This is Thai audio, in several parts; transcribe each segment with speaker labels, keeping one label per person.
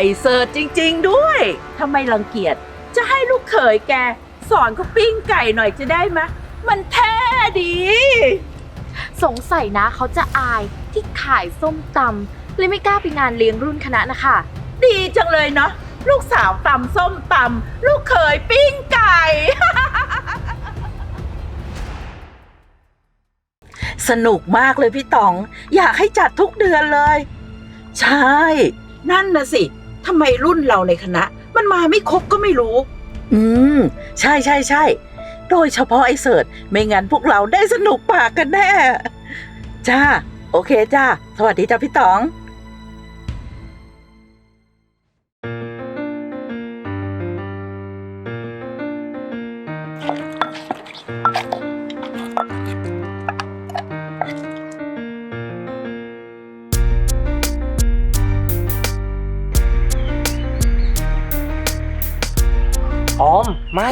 Speaker 1: เสิร์ชจริงๆด้วยทำไมรังเกียจจะให้ลูกเขยแกสอนเขาปิ้งไก่หน่อยจะได้ไหมมันแท้ดี
Speaker 2: สงสัยนะเขาจะอายที่ขายส้มตำเลยไม่กล้าไปงานเลี้ยงรุ่นคณะนะคะ
Speaker 1: ดีจังเลยเนาะลูกสาวตำส้มตำลูกเขยปิ้งไก่ สนุกมากเลยพี่ต๋องอยากให้จัดทุกเดือนเลย ใช่ นั่นนะสิทำไมรุ่นเราในคณะมันมาไม่ครบก็ไม่รู้ ใช่ใช่ใช่โดยเฉพาะไอ้เสิร์ชไม่งั้นพวกเราได้สนุกปากกันแน่ จ้า โอเคจ้า สวัสดีจ้าพี่ต๋อง
Speaker 3: ออมไม่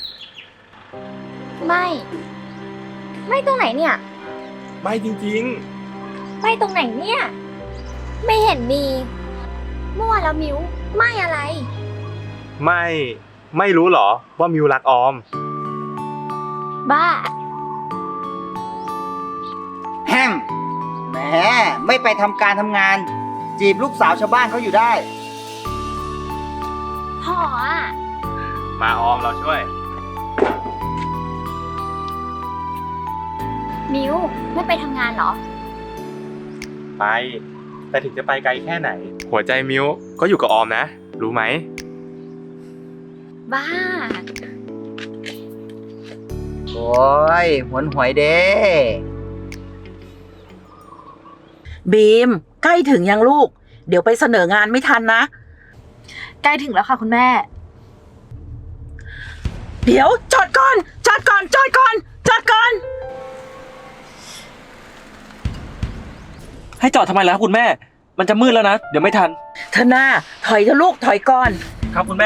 Speaker 4: ไม่ตรงไหนเนี่ย
Speaker 3: ไม่จริง
Speaker 4: ไม่ตรงไหนเนี่ย ไม่เห็นมีมั่วแล้วมิวไม่อะไร
Speaker 3: ๆ ไม่รู้เหรอว่ามิวรักออม
Speaker 4: บ้า
Speaker 5: แห้งแหมไม่ไปทำการทำงาน จีบลูกสาวชาวบ้านเขาอยู่ได้
Speaker 4: พ่ออ่ะ
Speaker 3: มาออมเราช่วย
Speaker 4: มิวไม่ไปทำงานเหรอ
Speaker 3: ไป แต่ถึงจะไปไกลแค่ไหน หัวใจมิวก็อยู่กับออมนะ รู้ไหม
Speaker 4: บ้า
Speaker 5: โอ้ยหวนหวยเด้
Speaker 1: บีมใกล้ถึงยังลูก เดี๋ยวไปเสนองานไม่ทันนะ
Speaker 2: ใกล้ถึงแล้วค่ะคุณแม่
Speaker 1: เดี๋ยวจอดก่อน จอดก่อน จอดก่อน จอดก่อน
Speaker 6: ให้จอดทำไมล่ะครับคุณแม่ มันจะมืดแล้วนะ เดี๋ยวไม่ทัน
Speaker 1: เธอหน้าถอยเถอะลูกถอยก่อน
Speaker 6: ครับคุณแม่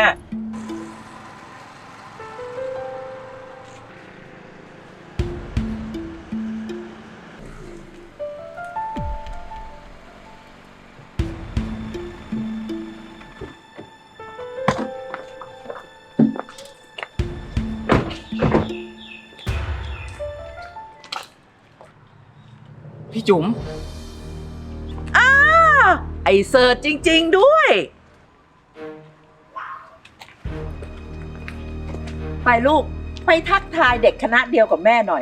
Speaker 5: พี่จุ๋ม
Speaker 1: ไอเสิร์ชจริงๆด้วย ไปลูก ไปทักทายเด็กคณะเดียวกับแม่หน่อย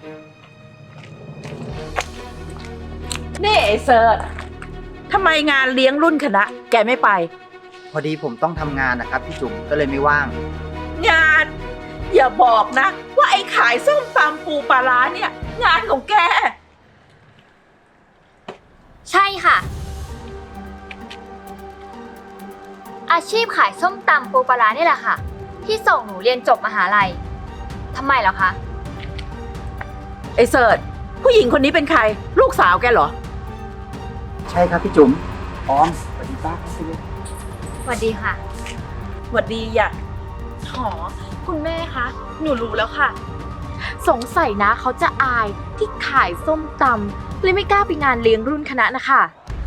Speaker 1: นี่ไอเสิร์ชทำไมงานเลี้ยงรุ่นคณะ แกไม่ไป
Speaker 5: พอดีผมต้องทำงานนะครับพี่จุ๋มก็เลยไม่ว่าง
Speaker 1: งาน อย่าบอกนะ ว่าไอ้ขายส้มตำปูปลาร้าเนี่ย งานของแก
Speaker 4: ใช่ค่ะ อาชีพขายส้มตำปูปลาร้านี่แหละค่ะ ที่ส่งหนูเรียนจบมหาลัยทำไมเหรอคะ
Speaker 1: ไอเสิร์ชผู้หญิงคนนี้เป็นใคร ลูกสาวแกเหรอ
Speaker 5: ใช่ครับพี่จุ๋มออมสวัสดีป้าครับพี่
Speaker 4: สวัสดีค่ะ
Speaker 1: หวัดดีอย่า
Speaker 2: หอ คุณแม่คะ หนูรู้แล้วค่ะ สงสัยนะเขาจะอายที่ขายส้มตำเลยไม่กล้าไปงานเลี้ยงรุ่นคณะนะคะ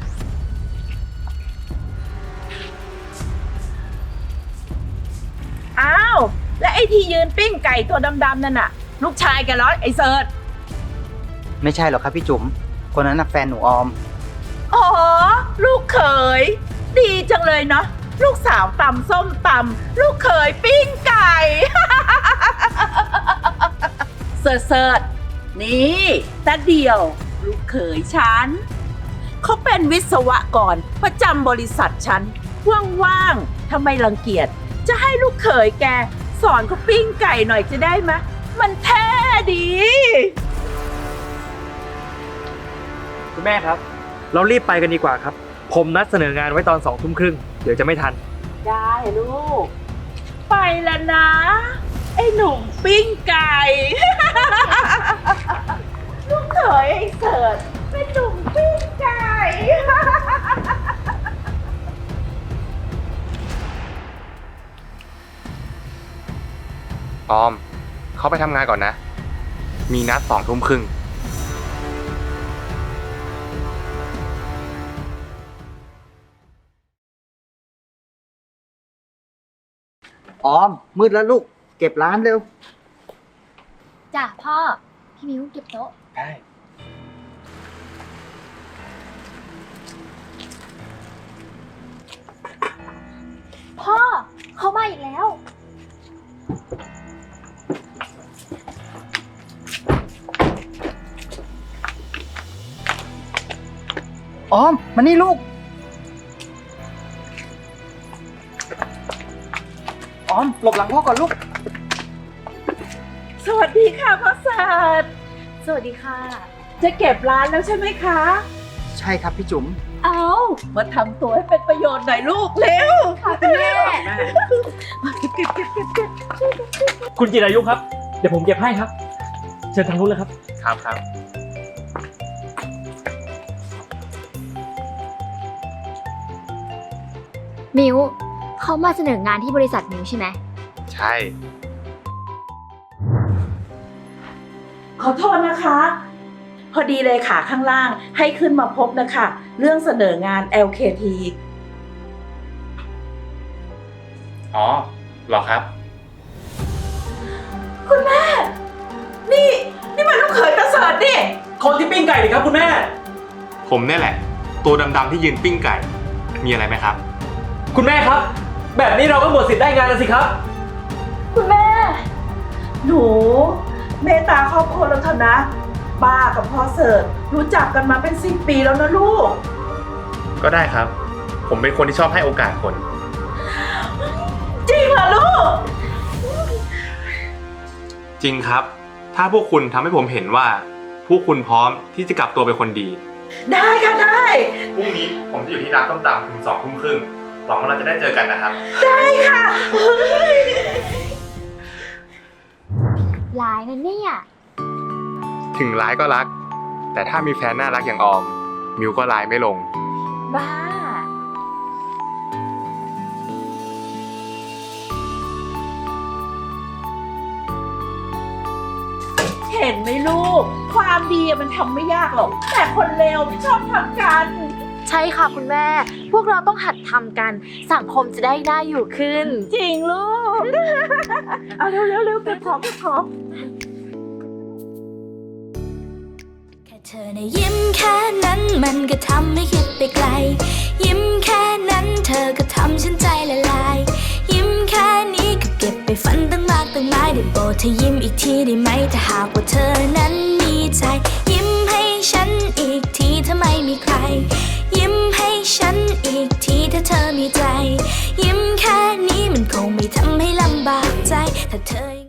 Speaker 1: อ้าว และไอ้ที่ยืนปิ้งไก่ตัวดำๆนั่นน่ะ ลูกชายแกเหรอไอ้เสิร์ช
Speaker 5: ไม่ใช่หรอกครับพี่จุ๋มคนนั้นน่ะแฟนหนูออม
Speaker 1: อ๋อ ลูกเขย ดีจังเลยเนาะลูกสาวตำส้มตำลูกเขยปิ้งไก่ เสิร์ชเสิร์ชนี่ตาเดียว ลูกเขยฉันเขาเป็นวิศวกรประจำบริษัทฉันว่างๆทำไมรังเกียจจะให้ลูกเขยแกสอนเขาปิ้งไก่หน่อยจะได้ไหมมันแท้ดี
Speaker 6: คุณแม่ครับ เรารีบไปกันดีกว่าครับ ผมนัดเสนองานไว้ตอน20:30 เดี๋ยวจะไม่ทัน
Speaker 1: ได้ลูก ไปแล้วนะ ไอ้หนุ่มปิ้งไก่ ลูกเขยไอ้เสิร์ชเป็นหนุ่มปิ้งไก่
Speaker 3: ออม เขาไปทำงานก่อนนะ มีนัด20:30
Speaker 5: ออม มืดแล้วลูก เก็บร้านเร็ว
Speaker 4: จ้ะพ่อ พี่มิวเก็บโต๊ะ
Speaker 3: ได้
Speaker 4: พ่อ เขามาอีกแล้ว
Speaker 5: ออม มานี่ลูก ออม หลบหลังพ่อก่อนลูก
Speaker 1: สวัสดีค่ะพ่อศาสตร์
Speaker 2: สวัสดีค่ะ
Speaker 1: จะเก็บร้านแล้วใช่ไหมคะ
Speaker 5: ใช่ครับพี่จุ๋ม
Speaker 1: เอามาทำตัวให้เป็นประโยชน์หน่อยลูกเร็ว
Speaker 4: ค่ะคุณแม่
Speaker 1: เก็บ
Speaker 6: คุณจิรายุครับ เดี๋ยวผมเก็บให้ครับ เชิญทางนู้นเลยครับ
Speaker 3: ครับ
Speaker 4: มิวเขามาเสนองานที่บริษัทมิวใช่ไหม
Speaker 3: ใช่
Speaker 1: ขอโทษนะคะ พอดีเลยค่ะข้างล่างให้ขึ้นมาพบนะคะ เรื่องเสนองาน LKT
Speaker 3: อ๋อเหรอครับ
Speaker 1: คุณแม่ นี่มันลูกเขยตาเสิร์ตนี่
Speaker 6: คนที่ปิ้งไก่ดิครับคุณแม่
Speaker 3: ผมเนี่ยแหละ ตัวดำๆที่ยืนปิ้งไก่ มีอะไรไหมครับ
Speaker 6: คุณแม่ครับ แบบนี้เราก็หมดสิทธิ์ได้งานแล้วสิครับ
Speaker 1: คุณแม่ หนูเมตตาครอบครัวเราเถอะนะป้ากับพ่อเสิร์ตรู้จักกันมาเป็น10 ปีแล้วนะลูก
Speaker 3: ก็ได้ครับ ผมเป็นคนที่ชอบให้โอกาสคน
Speaker 1: จริงเหรอลูก
Speaker 3: จริงครับ ถ้าพวกคุณทำให้ผมเห็นว่า พวกคุณพร้อมที่จะกลับตัวเป็นคนดี
Speaker 1: ได้ค่ะได้
Speaker 3: พรุ่งนี้ผมจะอยู่ที่ร้านต้มตำถึง20:30หวังว่าเราจะได้เจอกันนะครับ
Speaker 1: ได้ค่ะ
Speaker 4: ลายนั่นเนี่ย
Speaker 3: ถึงร้ายก็รัก แต่ถ้ามีแฟนน่ารักอย่างออม มิวก็ร้ายไม่ลง
Speaker 2: บ้า
Speaker 1: เห็นไหมลูก ความดีมันทำไม่ยากหรอก แต่คนเลวไม่ชอบทำกัน
Speaker 2: ใช่ค่ะคุณแม่ พวกเราต้องหัดทำกัน สังคมจะได้น่าอยู่ขึ้น
Speaker 1: จริงลูก เอาเร็วๆเก็บของ
Speaker 7: แค่เธอนะยิ้มแค่นั้นมันก็ทำให้คิดไปไกล ยิ้มแค่นั้นเธอก็ทำฉันใจละลาย ยิ้มแค่นี้ก็เก็บไปฝันตั้งมากตั้งหลายได้โปรดเธอยิ้มอีกทีได้ไหมถ้าหากว่าเธอนั้นมีใจ ยิ้มให้ฉันอีกทีถ้าไม่มีใคร ยิ้มให้ฉันอีกทีถ้าเธอมีใจ ยิ้มแค่นี้มันคงไม่ทำให้ลำบากใจถ้าเธอ